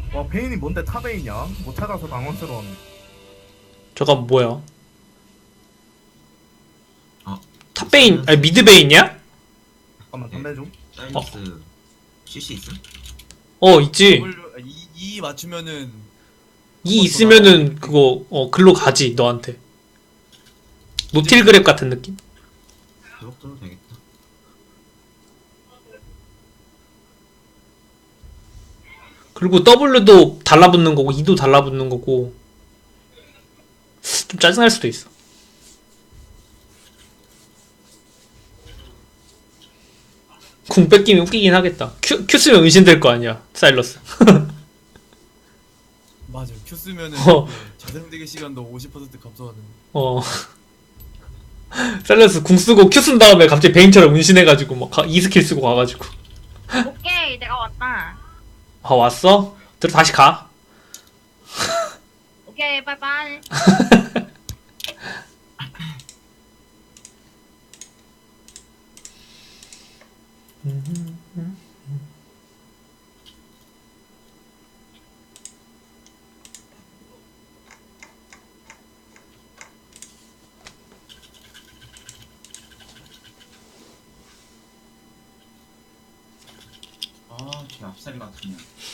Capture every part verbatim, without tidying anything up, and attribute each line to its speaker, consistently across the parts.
Speaker 1: 와 베인이 뭔데 탑베인이야? 못 찾아서 당황스러운.
Speaker 2: 저건 뭐야?
Speaker 3: 아,
Speaker 2: 탑베인, 아니 미드베인이야?
Speaker 1: 잠깐만 담배 좀.
Speaker 3: 사이러스 씨씨 있음?
Speaker 2: 어 있지.
Speaker 4: W, 이, 이 맞추면은
Speaker 2: 이 있으면은 그거 어 글로 가지 너한테. 노틸 그랩 같은 느낌?
Speaker 3: 그거 써도 되겠다.
Speaker 2: 그리고 W도 달라붙는 거고 E도 달라붙는 거고 좀 짜증날 수도 있어. 궁 뺏기면 웃기긴 하겠다. Q, Q 쓰면 은신될 거 아니야 사일러스.
Speaker 4: 맞아. Q 쓰면은
Speaker 2: 어.
Speaker 4: 이게 자생되기 시간도 오십 퍼센트 감소하는.
Speaker 2: 어 사일러스 궁 쓰고 Q 쓴 다음에 갑자기 베인처럼 은신해가지고 막 가, E 스킬 쓰고 가가지고
Speaker 5: 오케이, 내가 왔다.
Speaker 2: 아 왔어? 들어 다시 가.
Speaker 5: 오케이, 빠이빠이.
Speaker 3: 아, 쟤 앞살이 같으냐.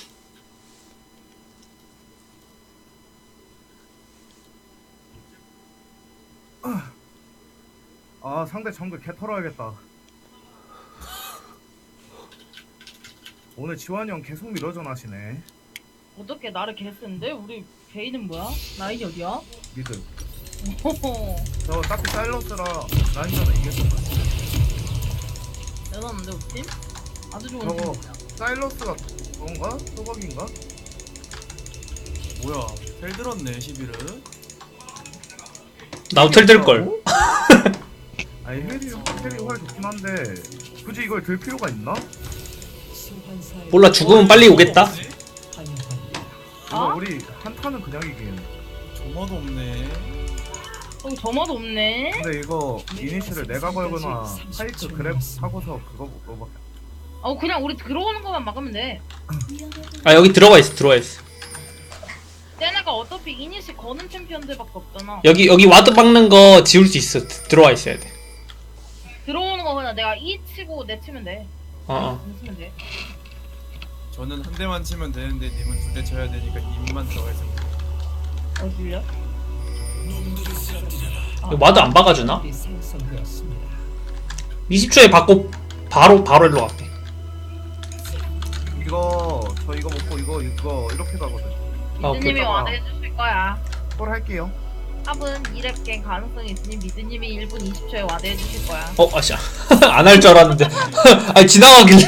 Speaker 1: 아 상대 정글 개 털어야겠다. 오늘 지환이 형 계속 밀어전하시네.
Speaker 5: 어떻게 나를 개쓰는데? 우리 베이는 뭐야? 라인이 어디야?
Speaker 1: 미드.
Speaker 5: 호호.
Speaker 1: 저 딱히 사일러스라 라인전은 이겼어.
Speaker 5: 대단한데, 우리 팀? 아주 좋은
Speaker 1: 저거
Speaker 5: 팀이야.
Speaker 1: 사일러스가 그건가? 소박인가?
Speaker 4: 뭐야? 펠 들었네 시비를.
Speaker 2: 나도 텔 될걸.
Speaker 1: 아니 헬이 헬이 활 좋긴 한데 굳이 이걸 들 필요가 있나?
Speaker 2: 몰라 죽으면 빨리 오겠다.
Speaker 1: 이거
Speaker 5: 아?
Speaker 1: 우리 한타는 그냥 이긴.
Speaker 4: 조마도 없네.
Speaker 5: 어, 점화도 없네?
Speaker 1: 근데 이거 이니시를 내가 걸거나 파이크 그랩 하고서 그거 그거밖에.
Speaker 5: 어, 그냥 우리 들어오는 것만 막으면 돼.
Speaker 2: 아 여기 들어가 있어 들어가 있어.
Speaker 5: 쟤네가 어차피 이니시 거는 챔피언들밖에 없잖아.
Speaker 2: 여기 여기 와드 박는 거 지울 수 있어. 드- 들어와 있어야 돼.
Speaker 5: 들어오는 거 그냥 내가 이 치고 내 치면 돼.
Speaker 2: 어 어.
Speaker 5: 공 치면 돼.
Speaker 4: 저는 한 대만 치면 되는데 님은 두 대 쳐야 되니까 님만 들어가 있으면 돼.
Speaker 5: 어, 들려?
Speaker 2: 이거 와드 안 박아주나? 이십 초에 받고 바로 바로 일로 갈게.
Speaker 1: 이거 저 이거 먹고 이거 이거 이렇게 가거든.
Speaker 2: 아, 오케이.
Speaker 5: 미드님이
Speaker 1: 오케이.
Speaker 5: 와드 해주실 거야.
Speaker 1: 뭘 할게요.
Speaker 5: 탑은 이 렙 갱 가능성이 있으니 미드님이 일 분 이십 초에 와드 해주실 거야.
Speaker 2: 어 아씨 안 할 줄 알았는데. 아니 지나가길래.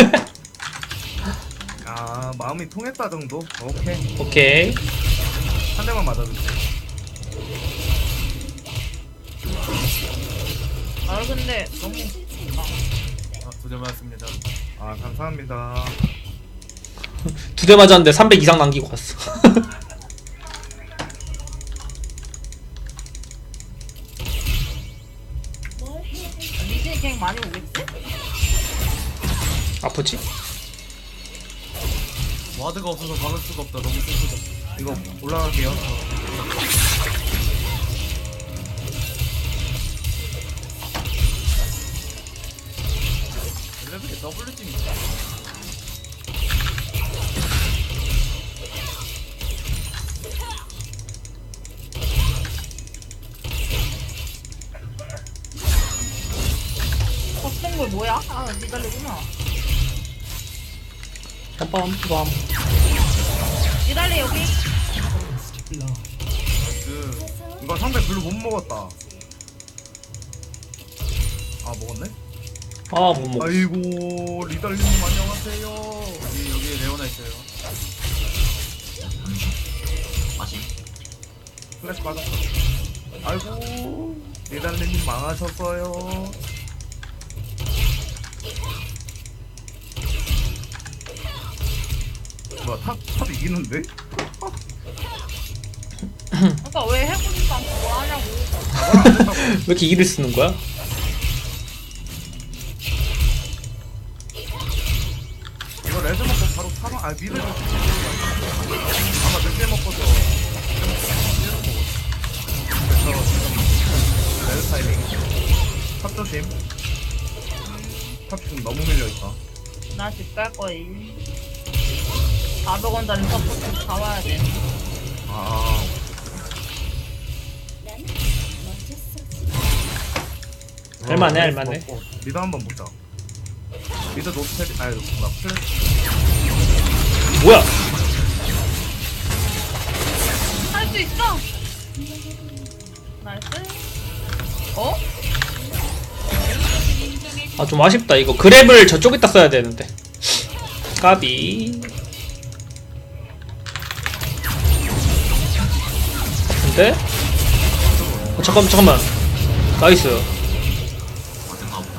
Speaker 1: 아 마음이 통했다 정도. 오케이
Speaker 2: 오케이.
Speaker 1: 한 대만 맞아주세요.
Speaker 5: 아, 근데 너무.
Speaker 4: 아, 두 대 맞았습니다.
Speaker 1: 아 감사합니다.
Speaker 2: 두 대 맞았는데 삼백 이상 남기고 갔어.
Speaker 5: 미드님 갱 많이 오겠지?
Speaker 2: 아프지?
Speaker 4: 와드가 없어서 막을 수가 없다. 너무 슬프다.
Speaker 1: 이거 올라갈게요.
Speaker 4: 레벨이 더블 팀이다.
Speaker 5: 겉은 걸 뭐야? 아, 니달리구나.
Speaker 2: 빰빰빰.
Speaker 5: 니달리 여기.
Speaker 4: 나이스.
Speaker 1: 이거 상대 별로 못 먹었다. 아 먹었네?
Speaker 2: 아못 먹어.
Speaker 1: 아이고 리달리님 안녕하세요.
Speaker 4: 여기 여기 레오나 있어요.
Speaker 3: 마심.
Speaker 1: 플래시 받았어. 아이고 리달리님 망하셨어요. 뭐야 탑, 탑 이기는데?
Speaker 5: 그러니까 왜 해보지도 않고 뭘 하냐고.
Speaker 1: 아, 안 된다고.
Speaker 2: 왜 이렇게 이를 쓰는 거야?
Speaker 1: 이거 레드 먹고 바로 사방 아 미드 좀 좀 너무 밀려있다.
Speaker 5: 나 집 갈 거임. 사백 원짜리 서포트 사와야 돼.
Speaker 1: 아,
Speaker 2: 할만해,
Speaker 1: 어,
Speaker 2: 할만해.
Speaker 1: 먹고. 미드 한번 보자. 미드 노스텔, 아니, 나 플랫.
Speaker 2: 뭐야?
Speaker 5: 할 수 있어. 나이스. 어?
Speaker 2: 아 좀 아쉽다. 이거 그랩을 저쪽에다 써야 되는데. 까비. 근데? 어, 잠깐만 잠깐만. 나이스.
Speaker 3: 어떤가 보다.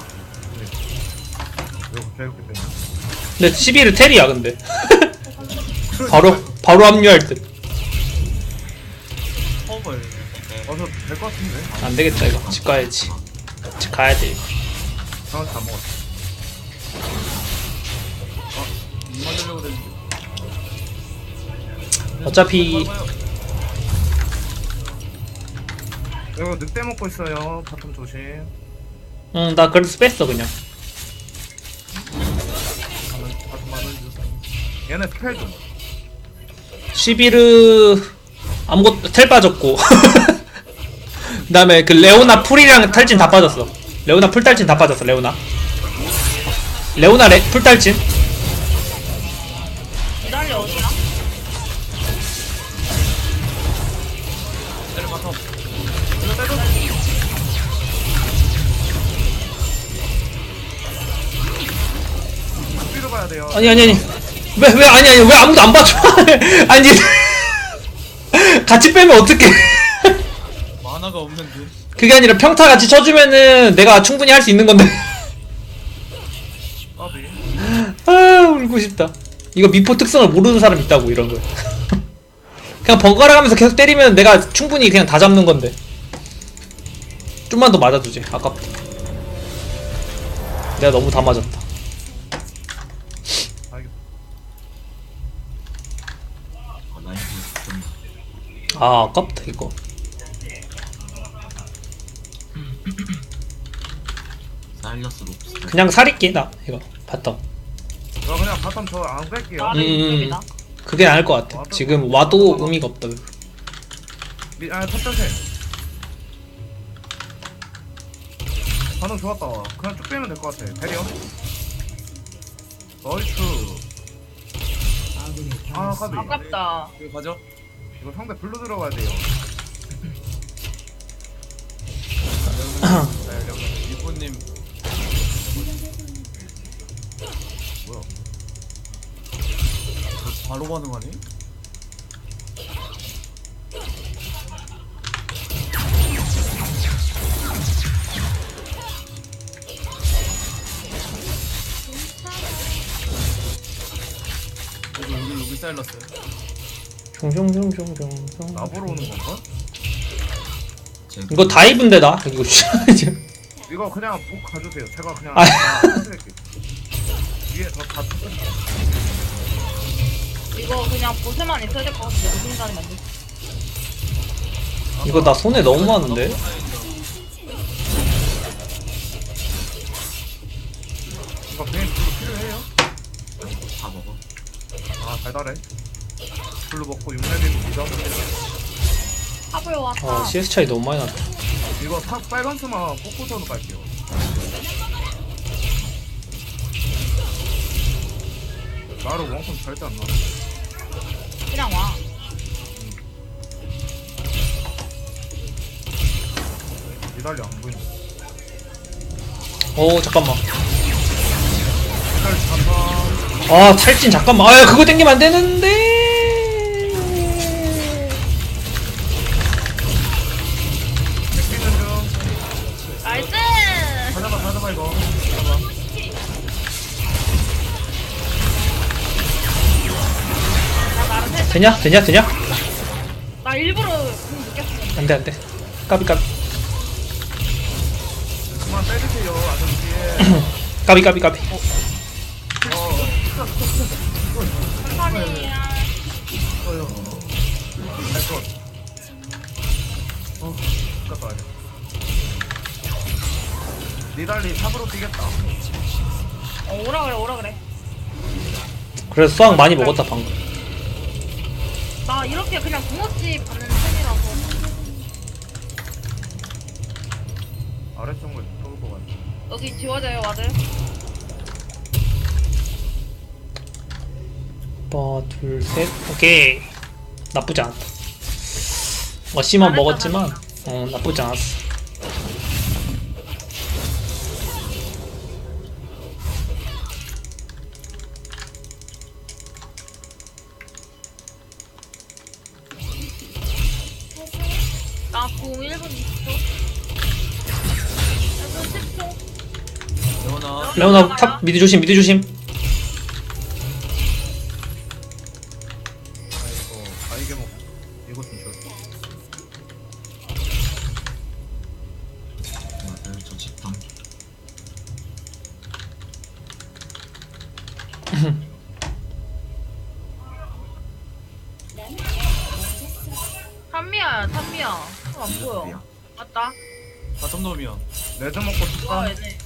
Speaker 1: 이거 개웃기 때문에.
Speaker 2: 근데 십일은 텔이야 근데. 바로 바로 합류할 듯.
Speaker 4: 커버해.
Speaker 1: 어서 될 것 같은데?
Speaker 2: 안 되겠다 이거. 집 가야지. 집 가야 돼.
Speaker 1: 상황 다 먹었어.
Speaker 4: 못 맞으려고 그랬는데.
Speaker 2: 어차피
Speaker 1: 이거 늑대 먹고 있어요. 바텀 조심.
Speaker 2: 응 나 그래서 뺐어 그냥.
Speaker 1: 가면 바텀 맞아주죠. 얘네 스펠 좀.
Speaker 2: 십일은 아무것도 텔 빠졌고. 그다음에 그 레오나 풀이랑 탈진 다 빠졌어. 레오나 풀 탈진 다 빠졌어. 레오나. 레오나 레, 풀 탈진.
Speaker 5: 기다려 어디야?
Speaker 4: 때려 바텀.
Speaker 1: 뒤로 가야 돼요.
Speaker 2: 아니 아니 아니. 왜 왜 아니 아니 왜 아무도 안 봐줘? 아니 같이 빼면 어떡해?
Speaker 4: 만화가 없는데.
Speaker 2: 그게 아니라 평타 같이 쳐주면은 내가 충분히 할 수 있는 건데.
Speaker 1: 까비.
Speaker 2: 아 울고 싶다. 이거 미포 특성을 모르는 사람 있다고 이런 거. 그냥 번갈아 가면서 계속 때리면 내가 충분히 그냥 다 잡는 건데. 좀만 더 맞아주지. 아깝다. 내가 너무 다 맞았다.
Speaker 1: 알겠어.
Speaker 3: 어, 나이스. 좀
Speaker 2: 아 아깝다 이거.
Speaker 3: 사일러스 롭스.
Speaker 2: 그냥 살릴게 나 이거 봤다.
Speaker 1: 저 그냥 바텀 저 안 뺄게요.
Speaker 5: 나를
Speaker 2: 음.
Speaker 5: 이쪽이다.
Speaker 2: 그게 나을 것 같아. 지금 와도 의미가 없다.
Speaker 1: 미, 아, 첫 번째. 반응 좋았다. 그냥 쭉 빼면 될 것 같아. 배려. 나이스. 아, 까비.
Speaker 5: 아깝다.
Speaker 4: 이거 가져.
Speaker 1: 이거 상대 블루 들어가야 돼요. 네, 여기.
Speaker 4: 이쁜님.
Speaker 1: 뭐야?
Speaker 4: 저 바로 반응하네? 여기 여기 여기 사일러스.
Speaker 2: 종종종종종종.
Speaker 1: 나보러 오는 건가?
Speaker 2: 이거 다이브인데 나 이거 지금.
Speaker 1: 이거 그냥 복 가주세요. 제가 그냥
Speaker 2: 아.
Speaker 1: 다 해드릴게요. 위에 더다 뜯어줄게요.
Speaker 5: 이거 그냥 보세만 있어야 될 것 같은데 무슨 순간에 만들.
Speaker 2: 이거 나 손에 너무 많은데.
Speaker 1: 이거 그냥 블루 필요해요?
Speaker 3: 다 먹어.
Speaker 1: 아, 달달해. 블루 먹고 육 레벨도 믿어.
Speaker 5: 탑을 왔다.
Speaker 2: 아 씨에스 차이 너무 많이 났다.
Speaker 1: 이거 탑 빨간 수만 뽑고서는 갈게요. 나를 원컴 절대 안 나와.
Speaker 5: 그냥 와.
Speaker 1: 니달리 안 보이네.
Speaker 2: 어 잠깐만.
Speaker 1: 니달리 잠깐.
Speaker 2: 아 탈진 잠깐만. 아 그거 땡기면 안 되는데.
Speaker 1: 백비는 중.
Speaker 5: 나이스.
Speaker 1: 가져봐, 가져봐, 이거. 가져봐.
Speaker 5: 나 나름 해.
Speaker 2: 되냐 되냐 되냐?
Speaker 5: 나 일부러 공 느꼈어.
Speaker 2: 안돼 안돼. 까비 까비
Speaker 1: 그만 때리세요, 아저씨.
Speaker 2: 까비 까비 까비.
Speaker 1: 어,
Speaker 5: 천천히야.
Speaker 1: 어요. 할 것. 어, 갔다 와야 돼. 니달리 탑으로 뛰겠다.
Speaker 5: 어, 오라 그래 오라 그래.
Speaker 2: 그래서 수학 많이 먹었다 방금.
Speaker 5: 나 이렇게 그냥 붕어치 받는 편이라서.
Speaker 1: 아래쪽을 떠올 것 같아.
Speaker 5: 여기 지워져요 와드.
Speaker 2: 하나 둘셋 오케이. 나쁘지 않다. 뭐 씨만
Speaker 5: 잘했다,
Speaker 2: 먹었지만
Speaker 5: 잘했다.
Speaker 2: 어 나쁘지 않았어.
Speaker 5: 나공 일 분 이십 초. 일 분 십 초.
Speaker 4: 레오나
Speaker 2: 레오나 탑 미드 조심 미드 조심.
Speaker 1: 아이고, 아 이게 뭐 이거 좀 줘.
Speaker 3: 맞아요. 저 집탐.
Speaker 5: 탄미야야 탄미야. 어, 안 보여.
Speaker 3: 미야.
Speaker 5: 맞다.
Speaker 4: 바텀 놈이야.
Speaker 1: 레드 먹고 싶다.
Speaker 5: 와 얘네.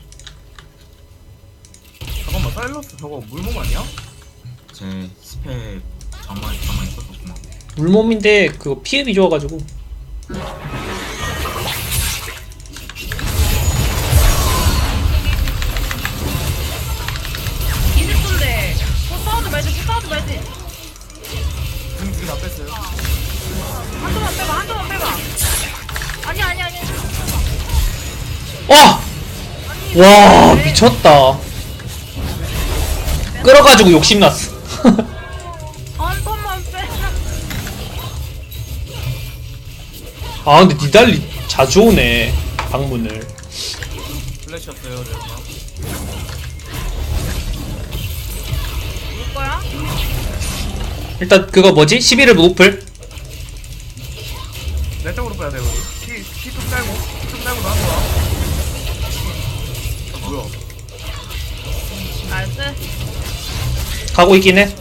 Speaker 1: 잠깐만, 사일러스 저거 물몸 아니야?
Speaker 3: 제 스펙 저만 저만 있었구만.
Speaker 2: 물몸인데 그거 피흡이 좋아가지고.
Speaker 5: 이십 초인데. 포사우드 말지 포사우드 말지.
Speaker 4: 지금 두개 다 뺐어요.
Speaker 5: 한 조만 빼봐 한 조만 빼봐. 아니 아니 아니.
Speaker 2: 와! 와 미쳤다. 끌어가지고 욕심났어.
Speaker 5: 한 번만 빼.
Speaker 2: 아 근데 니달리 자주 오네 방문을.
Speaker 4: 플래시였어요 레오나.
Speaker 5: 올 거야?
Speaker 2: 일단 그거 뭐지? 십일을 노플.
Speaker 1: 내 쪽으로 빼야 돼 우리. 키, 키좀 짧고, 좀 짧고 나한테 와. 아, 뭐야?
Speaker 5: 나이스.
Speaker 2: 가고 있긴 해.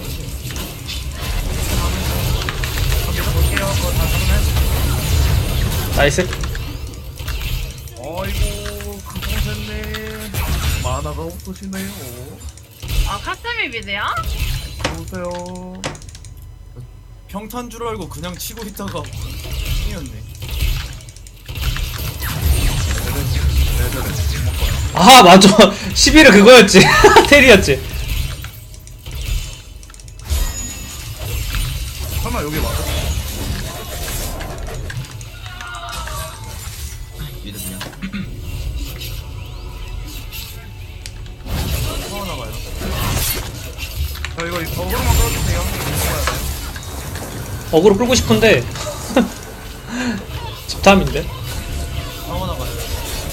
Speaker 1: 저 계속 볼게요. 그거 다 잡네.
Speaker 2: 나이스.
Speaker 1: 어이구, 그동생님 만화가 없으시네요.
Speaker 5: 아 카스미 미드야?
Speaker 1: 보세요.
Speaker 4: 평탄 줄 알고 그냥 치고 있다가 이었네.
Speaker 1: 레드를 못 먹어요.
Speaker 2: 아 맞아. 십일은 그거였지. 테리였지.
Speaker 1: 설마 여기 와서?
Speaker 3: 미드 미야.
Speaker 4: 또 하나 가요.
Speaker 1: 저 이거 어그로만 끌어주세요. 먹어야 돼.
Speaker 2: 어그로 끌고 싶은데 집탐인데.
Speaker 4: 또 하나 가요.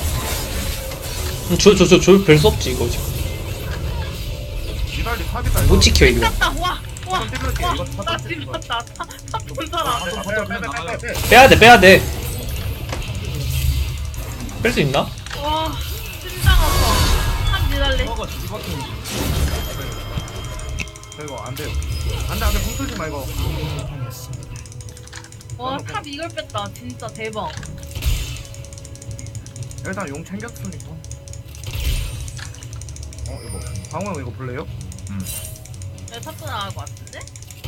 Speaker 2: 저저저저 별 수 없지 이거 지금.
Speaker 1: 기다리 탑이다.
Speaker 2: 못 지켜 이거.
Speaker 5: 땄다 와. 와.
Speaker 1: 한번 찔러줄게,
Speaker 5: 와.
Speaker 1: 이거 다
Speaker 5: 나
Speaker 1: 땄어,
Speaker 5: 지금
Speaker 1: 이거.
Speaker 5: 봤다. 탑본 사람.
Speaker 1: 아, 빼, 빼, 빼, 빼, 빼, 빼.
Speaker 2: 빼야 돼 빼야 돼. 뺄 수 있나?
Speaker 5: 와. 심장 아파. 탑 니달리.
Speaker 4: 서가 뒤바뀌는
Speaker 1: 저 이거 안 돼요. 안 돼, 안 돼. 붕 뚫지 마, 이거.
Speaker 5: 와 탑 이걸 뺐다. 진짜 대박.
Speaker 1: 일단 용 챙겼으니까. 어, 이거. 방어 형 이거 볼래요?
Speaker 3: 음.
Speaker 5: 내 탑도 나갈 것 같은데?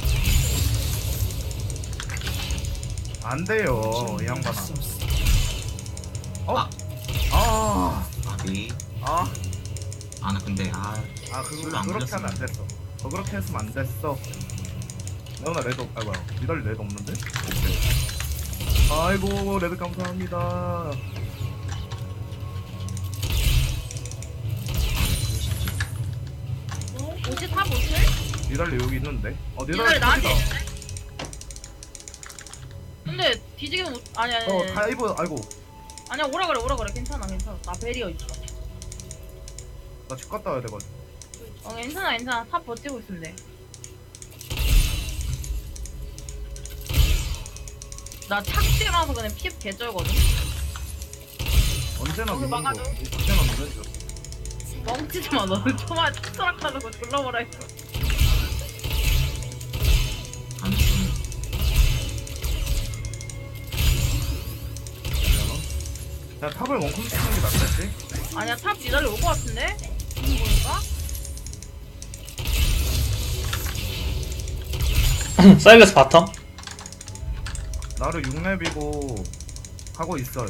Speaker 1: 안 돼요, 이 양반아. 어?
Speaker 3: 아.
Speaker 1: 아,
Speaker 3: 아비.
Speaker 1: 아,
Speaker 3: 아나 근데 아.
Speaker 1: 아,
Speaker 3: 술로
Speaker 1: 그거
Speaker 3: 안
Speaker 1: 그렇게 하면 안
Speaker 3: 걸렸으면.
Speaker 1: 됐어. 어, 그렇게 했으면 안 됐어. 너나 레드, 없- 아, 뭐야. 니달리 레드 없는데? 오케이. 아이고, 레드 감사합니다.
Speaker 5: 옷이 탑 옷을?
Speaker 1: 니달리 여기 있는데? 어,
Speaker 5: 니달리
Speaker 1: 니달리
Speaker 5: 나한테
Speaker 1: 탑이다.
Speaker 5: 있는데? 근데 뒤지기는 못 아니 아니
Speaker 1: 어,
Speaker 5: 아니
Speaker 1: 다이브, 아이고.
Speaker 5: 아니야 오라 그래 오라 그래 괜찮아 괜찮아 나 베리어 있어.
Speaker 1: 나 집 갔다 와야 되거든.
Speaker 5: 어 괜찮아 괜찮아 탑 버티고 있으면 돼. 나 착지라서 그냥 피흡 개쩔거든.
Speaker 1: 언제나
Speaker 5: 거기
Speaker 1: 믿는 거.
Speaker 5: 막아줘.
Speaker 1: 언제나 믿는 거.
Speaker 5: 멍치지 마 너는 초반 추락하는 거 졸라버려 있어.
Speaker 3: 가는 중.
Speaker 1: 야, 탑을 원컴 치는 게 낫겠지?
Speaker 5: 아니야 탑 니달리 올 것 같은데? 지금 보니까?
Speaker 2: 사일러스 바텀.
Speaker 1: 나를 육 렙이고 하고 있어요.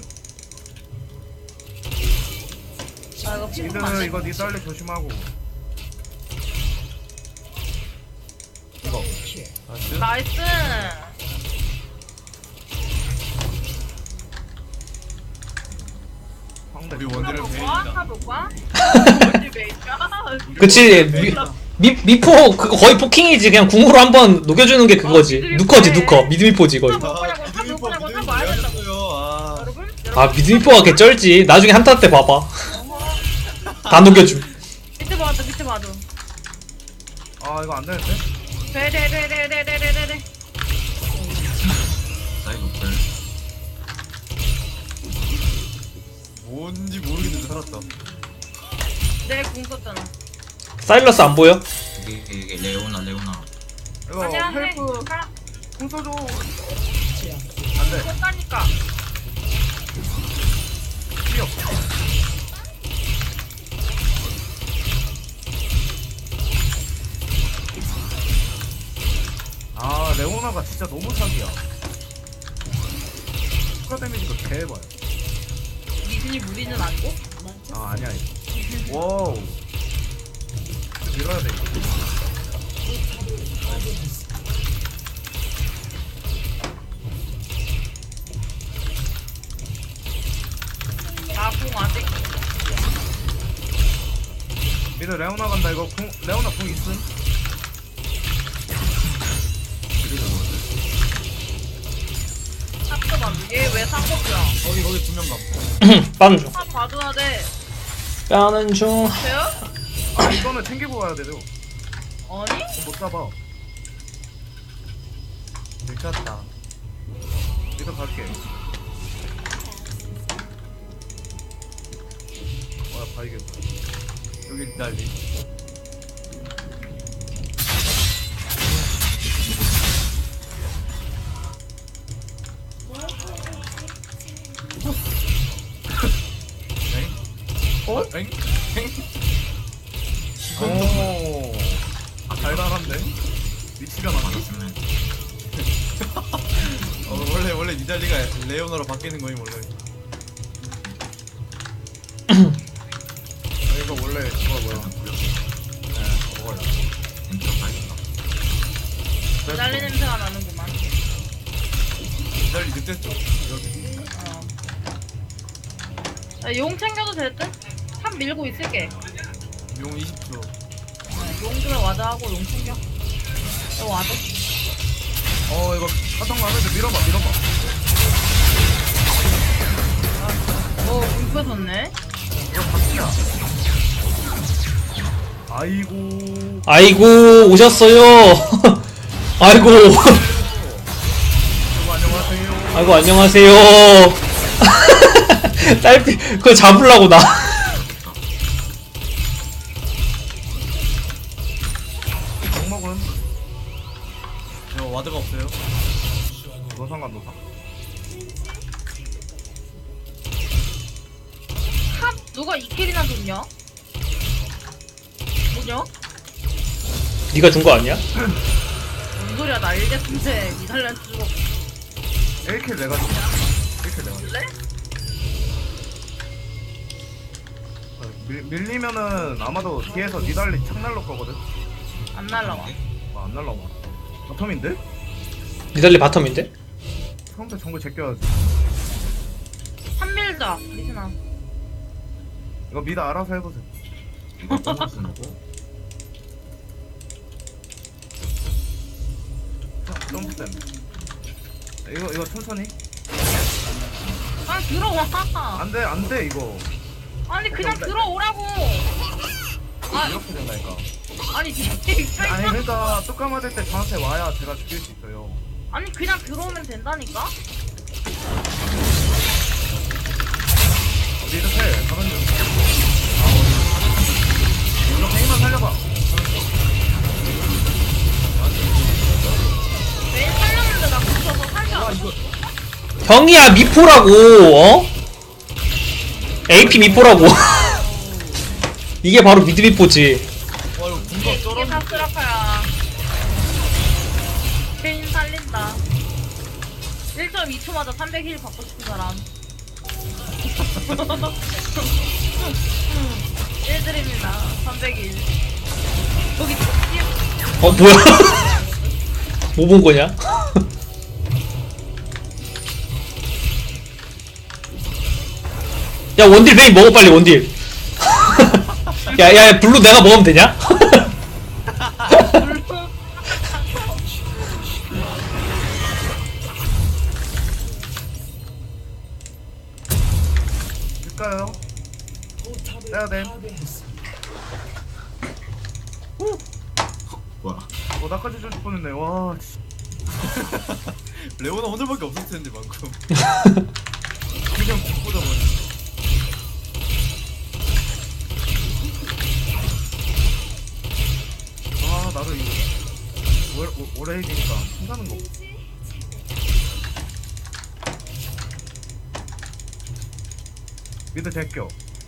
Speaker 5: 아 이거
Speaker 1: 니들
Speaker 5: 피부가 안
Speaker 1: 이거 니달리 조심하고. 이거
Speaker 4: 나이스.
Speaker 5: 나이스.
Speaker 1: 상대
Speaker 4: 우리 원딜을
Speaker 5: 탑
Speaker 4: 베인이다.
Speaker 5: 볼까? 어디 베인가?
Speaker 2: 그치 미, 미, 미포 그거 거의 포킹이지. 그냥 궁으로 한번 녹여주는 게 그거지. 누커지 누커. 미드미포지 거의.
Speaker 4: 아, 미드미포 미드미포 왜 하셨어요? 아,
Speaker 5: 여러분?
Speaker 2: 아 미드미포가 개 쩔지. 나중에 한타 때 봐봐. 다 녹여줌.
Speaker 5: 밑에 봐도 밑에 봐도.
Speaker 1: 아 이거 안 되는데?
Speaker 5: 네네네네네네네네.
Speaker 3: 사이버 별.
Speaker 4: 뭔지 모르겠는데 살았다.
Speaker 5: 내궁 썼잖아.
Speaker 2: 사일러스 안 보여?
Speaker 3: 이게 이게 레오나 레오나.
Speaker 1: 이거
Speaker 5: 아니야 해.
Speaker 1: 헬프
Speaker 5: 가.
Speaker 1: 궁 써줘. 안돼.
Speaker 5: 썼다니까.
Speaker 1: 필요. 아 레오나가 진짜 너무 사기야. 추가 데미지가 개해봐요.
Speaker 5: 미순이 무리는 아니고?
Speaker 1: 아 아니야 이거. 와우. 밀어야 돼 이거.
Speaker 5: 나궁 아직.
Speaker 1: 미드 레오나 간다 이거. 궁 레오나 궁 있음.
Speaker 5: 탑도 봐. 얘왜 상복이야?
Speaker 4: 거기 거기 두 명 감.
Speaker 2: 빠는 중.
Speaker 5: 탑 봐줘야 돼.
Speaker 2: 빠는 중.
Speaker 5: 돼요?
Speaker 1: 아 이거는 챙기고 와야 돼요.
Speaker 5: 아니?
Speaker 1: 못 잡아.
Speaker 4: 미쳤다.
Speaker 1: 미드 갈게. 와 봐야겠다.
Speaker 4: 여기 난리. 어? 엥? 엥?
Speaker 1: 오. 달달한데? 위치가 많아.
Speaker 3: 받았으면
Speaker 4: 어, 원래 원래 니달리가 레오나로 바뀌는 거임 원래.
Speaker 1: 아, 이거 원래 그거 뭐야? 네, 먹어요.
Speaker 3: 엔터 파이브가.
Speaker 5: 기다리 냄새가 나는구만.
Speaker 4: 니달리 늑대 쪽 여기.
Speaker 5: 어. 야, 용 챙겨도 될 듯? 탑 밀고 있을게.
Speaker 4: 용 이십 초.
Speaker 5: 용 주면 와드하고 용 챙겨. 너 와드?
Speaker 1: 어 이거 사탕 라면서 밀어봐 밀어봐.
Speaker 5: 어, 공 뺏었네.
Speaker 1: 이거 바퀴야. 아이고.
Speaker 2: 아이고 오셨어요. 아이고.
Speaker 1: 여러분 안녕하세요.
Speaker 2: 아이고 안녕하세요. 딸피 그거 잡으려고 나.
Speaker 1: 정먹은
Speaker 4: 저 와드가 없어요.
Speaker 1: 노상관 노상.
Speaker 5: 탑 누가 이 킬이나 줬냐? 뭐냐?
Speaker 2: 네가 준 거 아니야?
Speaker 5: 뭔 소리야, 나 일ges인데 이달란트 주고
Speaker 1: 일 킬 내가 줬어. 일 킬 내가 줬어.
Speaker 5: 줄래?
Speaker 1: 어, 밀, 밀리면은 아마도 뒤에서 니달리 창 날릴 거거든.
Speaker 5: 안 날라와.
Speaker 1: 아, 안 날라와. 바텀인데?
Speaker 2: 니달리 바텀인데?
Speaker 1: 상대 정글 제껴야지.
Speaker 5: 한 밀자, 리스나.
Speaker 1: 이거 미드 알아서 해보세요.
Speaker 3: 이거 뽕을 쓰는 거.
Speaker 1: 점프 때문에. 이거 이거 천천히.
Speaker 5: 아, 들어와.
Speaker 1: 안돼 안돼 이거.
Speaker 5: 아니, 그냥 들어오라고. 아,
Speaker 1: 이렇게 된다니까.
Speaker 5: 아니, 뒤에
Speaker 1: 아니
Speaker 5: 차이가.
Speaker 1: 그러니까 뚜까 맞을 때 저한테 와야 제가 죽일 수 있어요.
Speaker 5: 아니, 그냥 들어오면 된다니까?
Speaker 1: 미드 텔 가면 중. 이거 페이만 살려봐.
Speaker 5: 매일 살렸는데 나 붙여서 살려.
Speaker 1: 아 이거
Speaker 2: 형이야 미포라고. 어? 에이피 미포라고. 이게 바로 미드 미포지.
Speaker 4: 와 이거
Speaker 5: 이게,
Speaker 4: 궁각
Speaker 5: 이게
Speaker 4: 쩔었네.
Speaker 5: 다 쓰라카야. 살린다. 일 점 이 초마다 삼백 힐 받고 싶은 사람. 일 드립니다. 삼백 일. 거기 띄우-
Speaker 2: 어 뭐야? 뭐 본 거냐? 야 원딜 베인 먹어 빨리 원딜. 야야 블루 내가 먹으면 되냐?
Speaker 1: 줄까요? 내가 됨.
Speaker 3: 뭐야?
Speaker 1: 어 나까지 줄 뻔했네. 와. 씨.
Speaker 4: 레오나 오늘밖에 없었을 텐데 방금. 그냥 죽보다 버리.
Speaker 1: 아 나도 이거 오- 오- 오래 해지니까 힘드는 거. 미드 제껴.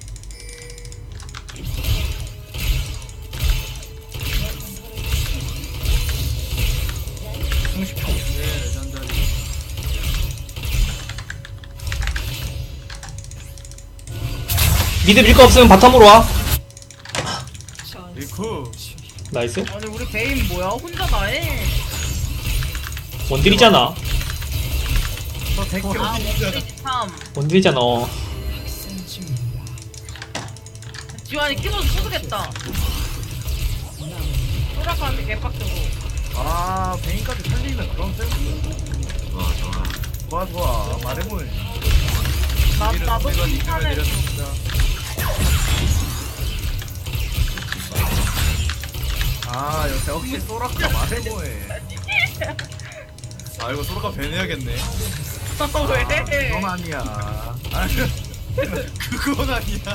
Speaker 1: 삼십 초.
Speaker 4: 네 레전더리.
Speaker 2: 미드 밀 거 없으면 바텀으로 와.
Speaker 4: 리쿠.
Speaker 2: 나이스.
Speaker 5: 아니 우리 베인 뭐야? 혼자 다해.
Speaker 2: 원딜이잖아.
Speaker 1: 저 제껴.
Speaker 5: 아 원딜이 참.
Speaker 2: 원딜이잖아. 어.
Speaker 5: 지환이 키보드 부수겠다. 소라카한테 개빡쳐고.
Speaker 1: 아 베인까지 살리는 그런 센스.
Speaker 3: 좋아 좋아.
Speaker 1: 좋아 좋아. 말해보니.
Speaker 5: 나
Speaker 4: 이런
Speaker 5: 나도
Speaker 4: 내가 이기면
Speaker 5: 칭찬해.
Speaker 4: 내렸습니다.
Speaker 1: 아 역시 역시 소라카 말해보니.
Speaker 4: 아 이거 소로가 배내야겠네.
Speaker 5: 왜?
Speaker 1: 그건 아니야. 아,
Speaker 4: 그건 아니야.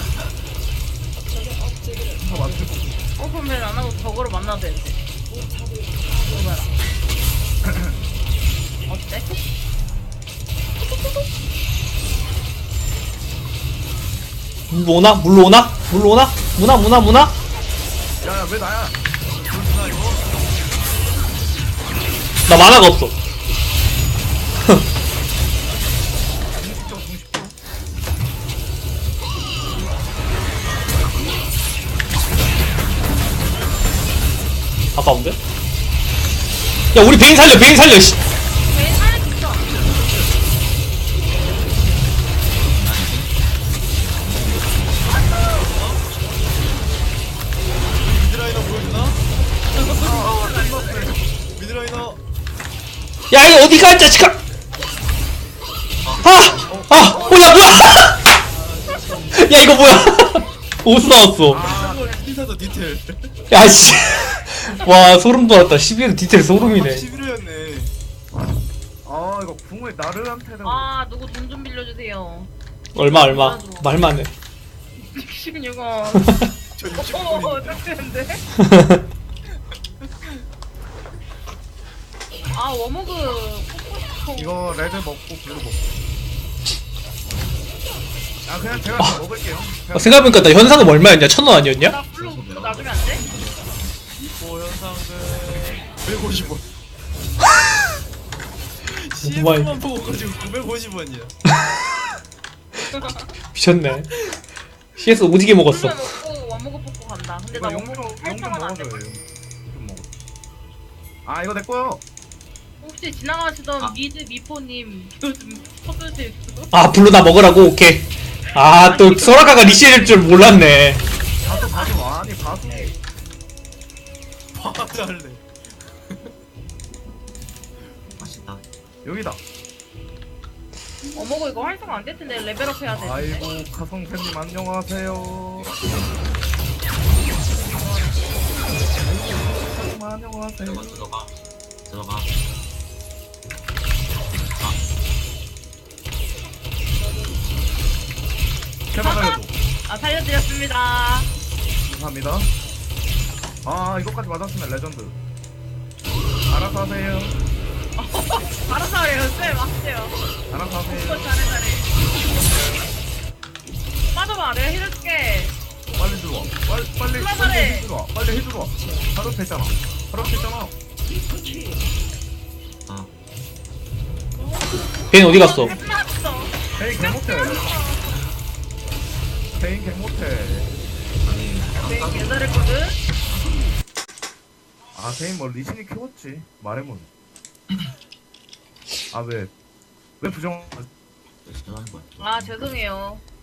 Speaker 1: 다 맞추고.
Speaker 5: 오픈맨 안 하고 저거로 만나도 되는데. 이거 봐라. 어때?
Speaker 2: 물 오나? 물 오나? 물 오나? 무나 무나 무나?
Speaker 1: 야야 왜 나야?
Speaker 4: 그렇구나 이거.
Speaker 2: 나 만화가 없어.
Speaker 1: 공십 초 공십 초.
Speaker 2: 아까운데? 야 우리 베인 살려 베인 살려 씨.
Speaker 5: 베인 살릴 수 있어.
Speaker 4: 미드라이너 보여주나? 미드라이너.
Speaker 2: 야 이거 어디 가 자식아. 아! 아! 어야 뭐야! 야 이거 뭐야! 어디서 나왔어?
Speaker 4: 아 피사도 디테일.
Speaker 2: 야씨. 와 소름 돋았다. 십일 디테일 소름이네.
Speaker 4: 십일 회였네.
Speaker 1: 아 이거 궁을 나르한테는.
Speaker 5: 아 누구 돈 좀 빌려주세요.
Speaker 2: 얼마 얼마 말만 해.
Speaker 5: 십육 원.
Speaker 4: 저
Speaker 5: 어,
Speaker 4: 육십구
Speaker 5: 어,
Speaker 4: 분인데.
Speaker 5: 딱 되는데? 아, 워머그 뽑고 싶어.
Speaker 1: 이거 레드 먹고 블루 먹고. 아 그냥 제가 다 먹을게요.
Speaker 2: 어, 생각해보니까 나 현상금 얼마였냐? 천 원 아니었냐?
Speaker 5: 나 블루 그거 놔주면 안 돼?
Speaker 4: 이보 현상금 백오십 원.
Speaker 2: 뭐야,
Speaker 4: 씨에프만 보고 가지고 구백오십 원이야.
Speaker 2: 미쳤네. 씨에스 오지게 먹었어.
Speaker 5: 블루 먹고 워머그 뽑고 간다. 근데 나
Speaker 1: 이거
Speaker 5: 워머그
Speaker 1: 용좀
Speaker 5: 팔 천 원 안 돼.
Speaker 1: 먹어줘요. 좀 먹어. 아 이거 내 거요.
Speaker 5: 혹시 지나가시던
Speaker 3: 아.
Speaker 5: 미드 미포님 요즘 퍼즐 수 있어?
Speaker 2: 아 블루 나 먹으라고? 오케이. 아 또 소라카가 리시일 줄 몰랐네.
Speaker 1: 봐도 봐도 아니 봐도.
Speaker 4: 봐달래.
Speaker 3: 맛있다.
Speaker 1: 여기다.
Speaker 5: 워머그 이거 활성 안 될 텐데 레벨업 해야 돼.
Speaker 1: 아이고 가성팬님 안녕하세요. 안녕하세요.
Speaker 3: 들어가 들어가 들어가.
Speaker 1: 제발 살려줘.
Speaker 5: 아, 살려드렸습니다.
Speaker 1: 감사합니다. 아 이거까지 맞았으면 레전드. 알아서 하세요.
Speaker 5: 알아서 해요. 쌤, 맞세요.
Speaker 1: 알아서
Speaker 5: 이거
Speaker 1: 하세요.
Speaker 5: 잘해, 잘해. 빠져봐, 내가 해줄게.
Speaker 1: 빨리 들어와. 빨리 빨리
Speaker 5: 올라가래.
Speaker 1: 빨리 해주러 와. 빨리 해주러 와. 바로 됐잖아. 바로 됐잖아.
Speaker 3: 아,
Speaker 2: 베인 어디 갔어?
Speaker 5: 끝났어.
Speaker 1: 페인 개 못해. 페인 개 못해.
Speaker 3: 아니,
Speaker 5: 되게
Speaker 3: 아까
Speaker 5: 개잘했거든?
Speaker 1: 아 페인 뭐 리신이 키웠지. 말해문. 아 왜? 왜 부정?
Speaker 3: 싫어하는 거야.
Speaker 5: 아, 죄송해요.